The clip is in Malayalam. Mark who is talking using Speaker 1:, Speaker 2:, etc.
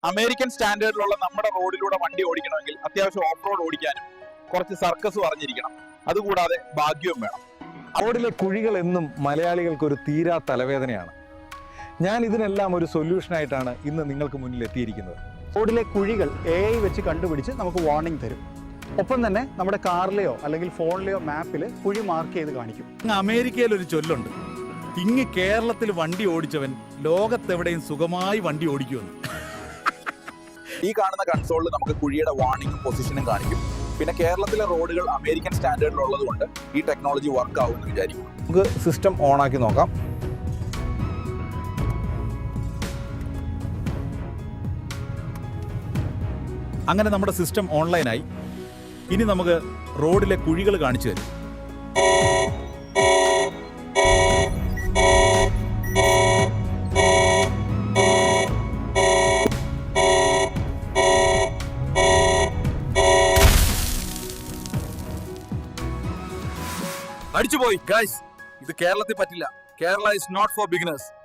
Speaker 1: അമേരിക്കൻ സ്റ്റാൻഡേർഡിലുള്ള നമ്മുടെ റോഡിലൂടെ വണ്ടി ഓടിക്കണമെങ്കിൽ അത്യാവശ്യം ഓഫ് റോഡ് ഓടിക്കാനും കുറച്ച് സർക്കസ് അറിഞ്ഞിരിക്കണം. അതുകൂടാതെ ഭാഗ്യവും വേണം.
Speaker 2: റോഡിലെ കുഴികൾ എന്നും മലയാളികൾക്ക് ഒരു തീരാ തലവേദനയാണ്. ഞാൻ ഇതിനെല്ലാം ഒരു സൊല്യൂഷനായിട്ടാണ് ഇന്ന് നിങ്ങൾക്ക് മുന്നിൽ എത്തിയിരിക്കുന്നത്.
Speaker 3: റോഡിലെ കുഴികൾ AI വെച്ച് കണ്ടുപിടിച്ച് നമുക്ക് വാർണിംഗ് തരും. ഒപ്പം തന്നെ നമ്മുടെ കാറിലെയോ അല്ലെങ്കിൽ ഫോണിലെയോ മാപ്പിൽ കുഴി മാർക്ക് ചെയ്ത് കാണിക്കും.
Speaker 4: അമേരിക്കയിൽ ഒരു ചൊല്ലുണ്ട്, ഇങ്ങ് കേരളത്തിൽ വണ്ടി ഓടിച്ചവൻ ലോകത്തെവിടെയും സുഖമായി വണ്ടി ഓടിക്കുമെന്ന്.
Speaker 1: ഈ കാണുന്ന കൺസോളിൽ നമുക്ക് കുഴിയുടെ വാർണിംഗും പൊസിഷനും കാണിക്കും. പിന്നെ കേരളത്തിലെ റോഡുകൾ അമേരിക്കൻ സ്റ്റാൻഡേർഡിലുള്ളത് കൊണ്ട് ഈ ടെക്നോളജി വർക്ക് ആവുമെന്ന് വിചാരിക്കും.
Speaker 2: നമുക്ക് സിസ്റ്റം ഓണാക്കി നോക്കാം.
Speaker 4: അങ്ങനെ നമ്മുടെ സിസ്റ്റം ഓൺലൈനായി. ഇനി നമുക്ക് റോഡിലെ കുഴികൾ കാണിച്ചു തരും.
Speaker 1: അടിച്ചുപോയി ഗൈസ്, ഇത് കേരളത്തിൽ പറ്റില്ല. Kerala is not for beginners.